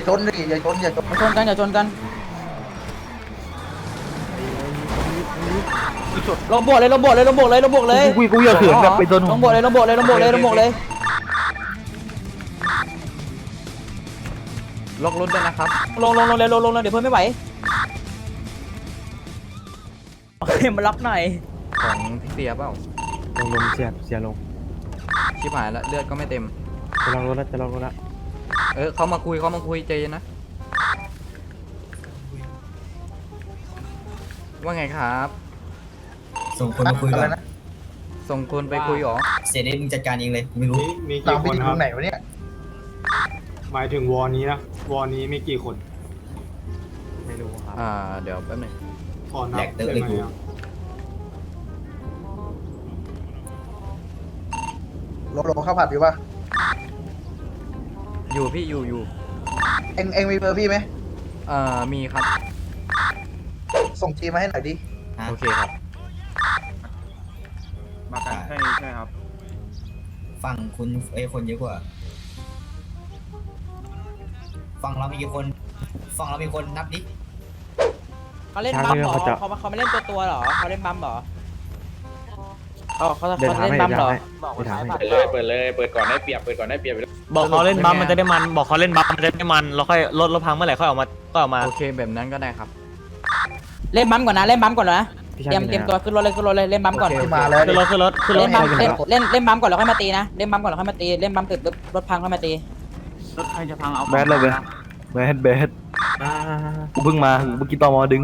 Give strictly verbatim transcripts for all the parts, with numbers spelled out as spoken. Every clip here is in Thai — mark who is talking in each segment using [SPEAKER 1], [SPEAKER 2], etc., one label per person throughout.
[SPEAKER 1] ชนดิอย่าชนอย่าชน
[SPEAKER 2] อย่าชนกันอย่าชนกันลงบวกเลยลงบวกเลยลงบวกเลยลงบวกเลย
[SPEAKER 3] กูกูอย่าเขินแบบไปโดน
[SPEAKER 2] ลงบวกเลยลงบวกเลยลงบวกเลยลงบวกเลยล็อกรถด้วยนะครับลงลงลงเลยลงลงเลยเดี๋ยวเพื่อนไม่ไหวโอเคมาล็อกหน่อยของพี่เสียเปล่า
[SPEAKER 3] ลงลงเสียเสียลง
[SPEAKER 2] ชิบหายแล้วเลือดก็ไม่เต็ม
[SPEAKER 3] จะลองรถแล้วจะลองรถแล้ว
[SPEAKER 2] เออเขามาคุยเขามาคุยใจเย็นนะว่าไงครับ
[SPEAKER 4] ส่งคนมาคุยก่อน
[SPEAKER 1] นะ
[SPEAKER 2] ส่งคนไปคุยหรอ
[SPEAKER 4] เสียเดชมึงจัดการเองเลยกูไม่รู้
[SPEAKER 5] มี
[SPEAKER 1] ตาม
[SPEAKER 5] กี่
[SPEAKER 1] ไป
[SPEAKER 5] คน
[SPEAKER 1] ที่
[SPEAKER 5] ค
[SPEAKER 1] ต
[SPEAKER 5] รั
[SPEAKER 1] ร
[SPEAKER 5] บ
[SPEAKER 1] งไหนวะเนี่ย
[SPEAKER 5] หมายถึงวอร์นี้นะวอร์นี้มีกี่คน
[SPEAKER 3] ไม่รู้ครับ
[SPEAKER 2] อ่าเดี๋ยวแป๊บหนึง
[SPEAKER 5] ขอนับ
[SPEAKER 4] แหลกเตอะเลยกู
[SPEAKER 5] ได้ไหมครับ
[SPEAKER 1] โลโลข้าวผัดอยู่ปะ
[SPEAKER 2] อยู่พี่อยู่อยู่
[SPEAKER 1] เอ็งเอ็งมีเบอร์พี่ไหม
[SPEAKER 2] เอ่อมีครับ
[SPEAKER 1] ส่งจีมาให้หน่อยดิ
[SPEAKER 4] ฮะ
[SPEAKER 2] โอเคครับ
[SPEAKER 6] มากันแค่นี้ใช่ไหมครับ
[SPEAKER 4] ฝั่งคุณไอ้ยคนเยอะกว่าฝั่งเรามีกี่คนฝั่งเรามีคนนับดิ
[SPEAKER 2] เขาเล่นบัมเหรอเขาเขาไม่เล่นตัวตัวหรอเขาเล่นบัมเหรออ๋อเขา
[SPEAKER 3] เดิน
[SPEAKER 2] เขา
[SPEAKER 3] ทาง
[SPEAKER 2] เล่น
[SPEAKER 3] ให้
[SPEAKER 2] บัมเหรอ
[SPEAKER 3] เดินทางให้
[SPEAKER 6] เปิดเลยเปิดเลยเปิดก่อนได้เปรียบเปิดก่อนได้เปรียบ
[SPEAKER 7] บอกเขาเล่นบัมมันจะได้มันบอกเขาเล่นบัมมันจะได้มันแล้วค่อยลดรถพังเมื่อไหร่ค่อยออกมาก็ออกมา
[SPEAKER 2] โอเคแบบนั้นก็ได้ครับเล่นบัมก่อนนะเล่นบัมก่อนนะเตรียมเตรียมตัวขึ้นรถเลยขึ้นรถเลยเล่นบัมก่อน
[SPEAKER 1] ที่มาแล้ว
[SPEAKER 7] ขึ้นรถขึ้นรถขึ้นร
[SPEAKER 2] เล่
[SPEAKER 7] ถ
[SPEAKER 2] นบัมเล่นเล่นเล่นบัมก่อนแล้วค่อยมาตีนะเล่นบัมก่อนแล้วค่อยมาตีเล่นบัมติดรถพังค่อยมาตี
[SPEAKER 6] รถใครจะพังเอา
[SPEAKER 3] แบดเลยเว้ยแบดแบดกูเพิ่งมาเมื่อกี้ตอมอดึง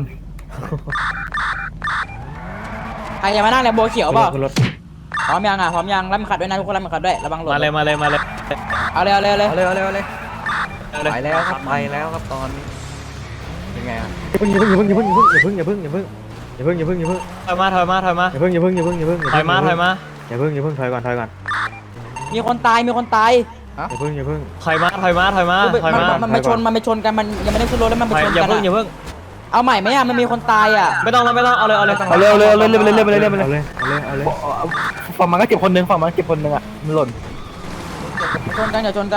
[SPEAKER 2] ใครจะมานั่งในโบเขียวเปล่า
[SPEAKER 3] ขึ้นรถ
[SPEAKER 2] พร้อมยังอ่ะพร้อมยังรับขัดด้วยนะทุกคนรับขัดด้วยระวังหล่น
[SPEAKER 7] มาเลยมาเลยมาเลย
[SPEAKER 2] เอาเลยเอาเลยเอาเลย
[SPEAKER 3] เอาเลยเอาเลยเอาเลย
[SPEAKER 2] ไปแล้วครับไปแล้วครับตอนนี้เป็นไงอ่ะ
[SPEAKER 3] อย่าเพิ่งอย่าเพิ่งอย่าเพิ่งอย่าเพิ่งอย่าเพิ่งอย่าเพิ่งอย่าเพิ่งอย่าเพิ่งอย่าเพิ่ง
[SPEAKER 7] ถอยมาถอยมาถอยมา
[SPEAKER 3] อย่าเพิ่งอย่าเพิ่งอย่าเพิ่งอย่าเพิ่ง
[SPEAKER 7] ถอยมาถอยมา
[SPEAKER 3] อย่าเพิ่งอย่าเพิ่งถอยก่อนถอยก่อน
[SPEAKER 2] มีคนตายมีคนตาย
[SPEAKER 3] อย่าเพิ่งอย่าเพิ่ง
[SPEAKER 7] ถอยมาถอยมาถอยมาถอยมา
[SPEAKER 2] มันมันมาชนมันไปชนกันมันยังไม่ได้ขึ้นรถแล้วมันไป
[SPEAKER 7] ถอย
[SPEAKER 2] ชน
[SPEAKER 7] อย่า
[SPEAKER 2] กัน
[SPEAKER 7] เพิ่งอย่าเพิ่ง
[SPEAKER 2] เอาใหม่ไหมอ่ะมันมีคนตายอ่ะ
[SPEAKER 7] ไม่ต้องแล้วไม่ต้องเอาเลยเอาเลย
[SPEAKER 3] เอาเร็วเร็วเร็วเร็วเร็วเร็วเร็วเร็วเร็วเร็วเอาเลยเอาเลยฝั่งมันก็เก็บคนนึงฝั่งมันเก็บคนนึงอ่ะมันหล่น
[SPEAKER 2] ชนกันอย่าชนกัน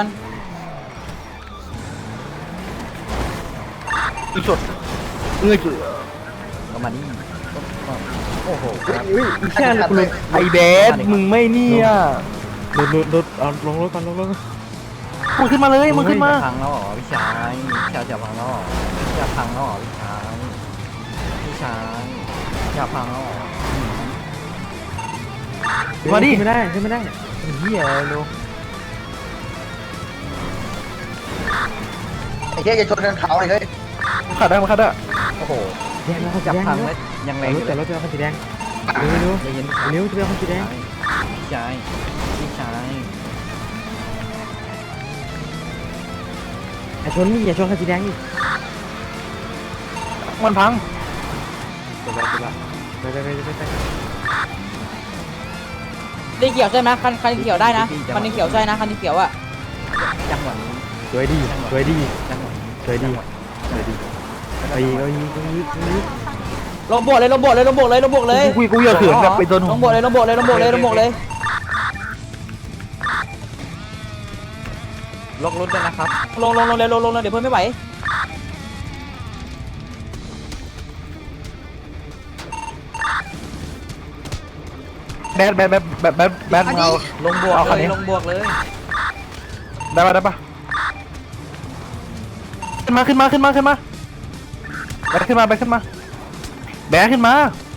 [SPEAKER 3] อีกสุดเงยจุด
[SPEAKER 2] ประมาณนี้โอ้โห
[SPEAKER 3] อุ้ยอีแค่เลยไอเบสมึงไม่เนี่ยรถรถรถเอาลงรถก่อนลงรถมึงขึ้นมาเลยมึงขึ้นมา
[SPEAKER 2] จะพังแล้วเหรอพี่ชายพี่ชายจะพังแล้วเหรอจะพังแล้วเหรอพี่ชายพี่ชายจะพังแล้วเหรอ
[SPEAKER 3] มาดิไม่ได้ขึ้นไม่ได้เฮียลูก
[SPEAKER 1] ไอ้เหี้ยอย่าชนกันเขาเลยเฮ้ย
[SPEAKER 3] ขัดได้มาขัดได้
[SPEAKER 2] โอ้โห
[SPEAKER 3] แดงแล้ว
[SPEAKER 2] จะ
[SPEAKER 3] แดง
[SPEAKER 2] พัง
[SPEAKER 3] แล้
[SPEAKER 2] แล้ว วยังไง
[SPEAKER 3] รถแต่รถจะเป็นสีแดงเร็วเร็ว
[SPEAKER 2] จะเย็น
[SPEAKER 3] เร็วจะเป็นสีแดง
[SPEAKER 2] พี่ชายพี่ชาย
[SPEAKER 3] อย่าชนนี่อย่าชนคันสีแดงนี่มันพังไปไปไปไปไปไปไป
[SPEAKER 2] ดีเขียวใช่ไหมคันคันเขียวได้นะคันนี้เขียวใช่นะคันนี้เขียวอ่ะจังหวะนี้
[SPEAKER 3] สวยดีสวยดี
[SPEAKER 2] จังหวะนี้
[SPEAKER 3] สวยดีสวยดีไปอีกไปอีกไปอีกไปอีก
[SPEAKER 2] ลงบวกเลยลงบวกเลยลงบวกเลยลงบวกเลย
[SPEAKER 3] กูกูอย่าเขินแบบไปโดน
[SPEAKER 2] ลงบวกเลยลงบวกเลยลงบวกเลยลงบวกเลยล็อกรถด้วยนะครับลงลงลงเลยลงลงเลยเดี๋ยวเพื่อนไม่ไหว
[SPEAKER 3] แบดแบดแบดแบดแบดแบดเอา
[SPEAKER 2] ลงบวก
[SPEAKER 3] เอาคัน
[SPEAKER 2] เล
[SPEAKER 3] นี้
[SPEAKER 2] ยลงบวกเลย
[SPEAKER 3] ได้ปะได้ปะขึ้นมาขึ้นมาขึ้นมาขึ้นมาแบกขึ้นมาแบกขึ้นมาแบกขึ้นมา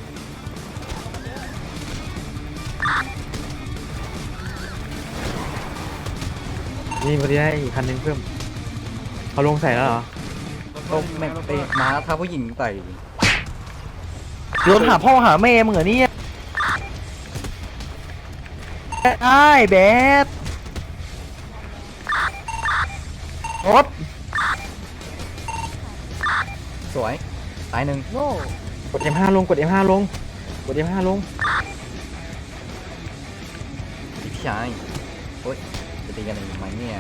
[SPEAKER 3] นี่พอดีได้อีกคันนึงเพิ่มเขาลงใส่แล้วเหรอ
[SPEAKER 2] ลงแม่งไปม้าถ้าผู้หญิงใส่
[SPEAKER 3] โยนหาพ่อหาแม่มึงเหรอเนี่ยได้แบดรถ
[SPEAKER 2] สวยตายหนึ่ง
[SPEAKER 3] กด เอ็ม ห้า ลงกด เอ็ม ห้า ลงกด เอ็ม ห้า ลง
[SPEAKER 2] พี่ชายโอ๊ยจะตีกันอีกไหมเนี่ย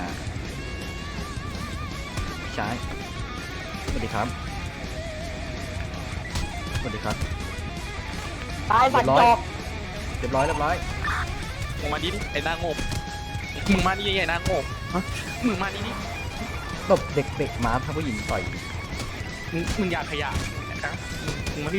[SPEAKER 2] พี่ชายสวัสดีครับสวัสดีครับตายสัตว์จอกเรียบร้อยเรียบร้อย
[SPEAKER 6] มึงมาดิดิไอ้นางงมมึงมาดิไอ้นางงมมึงมาดิดิ
[SPEAKER 2] ตบเด็กๆมาถ้าผู้หญิงต่อย
[SPEAKER 3] มึงมึงอยากขยะนะครับมึงมาที่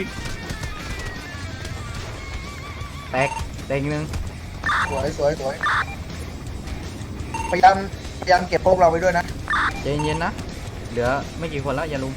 [SPEAKER 2] แตกแตกอีกนึง
[SPEAKER 1] สวยสวยสวยพยายามพยายามเก็บพวกเราไปด้วยนะ
[SPEAKER 2] ใจเย็นๆนะเหลือไม่กี่คนแล้วอย่าลุม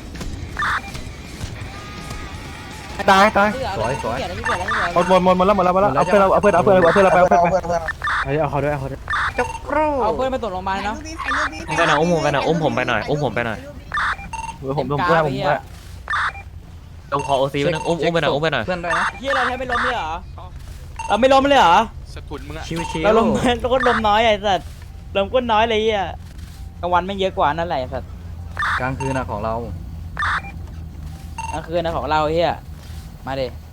[SPEAKER 3] ตายตาย
[SPEAKER 2] สวยสวย
[SPEAKER 3] หมดหมดหมดหมดแล้วหมดแล้วหมดแล้วเอาเพื่อนเราเอาเพื่อนเอาเพื่อนเอาเพื่อนเราไปเอาเพื่อน
[SPEAKER 1] เอา
[SPEAKER 3] ไป
[SPEAKER 1] เพื่อนเอาเพื่อน
[SPEAKER 3] เอาเอาเขาด้วยเอาเขาด้วย
[SPEAKER 2] จกครู
[SPEAKER 8] เอาเพื่อนไปตรวจโรงพยาบาลเนาะ
[SPEAKER 7] อุ้มไปหน่อยอุ้มผมไปหน่อยอุ้มผมไปหน่อยอุ้มผมไปหน่อย
[SPEAKER 3] ผมผมด้วยผมด้วย
[SPEAKER 7] ผมขอโอซีไปนึงอุ้มอุ้มไปหน่อยอุ้มไปหน่อย
[SPEAKER 2] เพื่อนด้วยนะ
[SPEAKER 8] เฮียเราแทบไม่ล้มเลยเหรอเราไม่ล้มเลยเหรอ
[SPEAKER 2] ชิวๆ
[SPEAKER 8] เราล้มเราก็ล้มน้อยไอ้สัตว์ล้มก็น้อยเลยเฮียกลางวันไม่เยอะกว่านั่นแหละไอ้สัตว์
[SPEAKER 2] กลางคืนนะของเรา
[SPEAKER 8] กลางคืนนะของเราเฮียมาดิ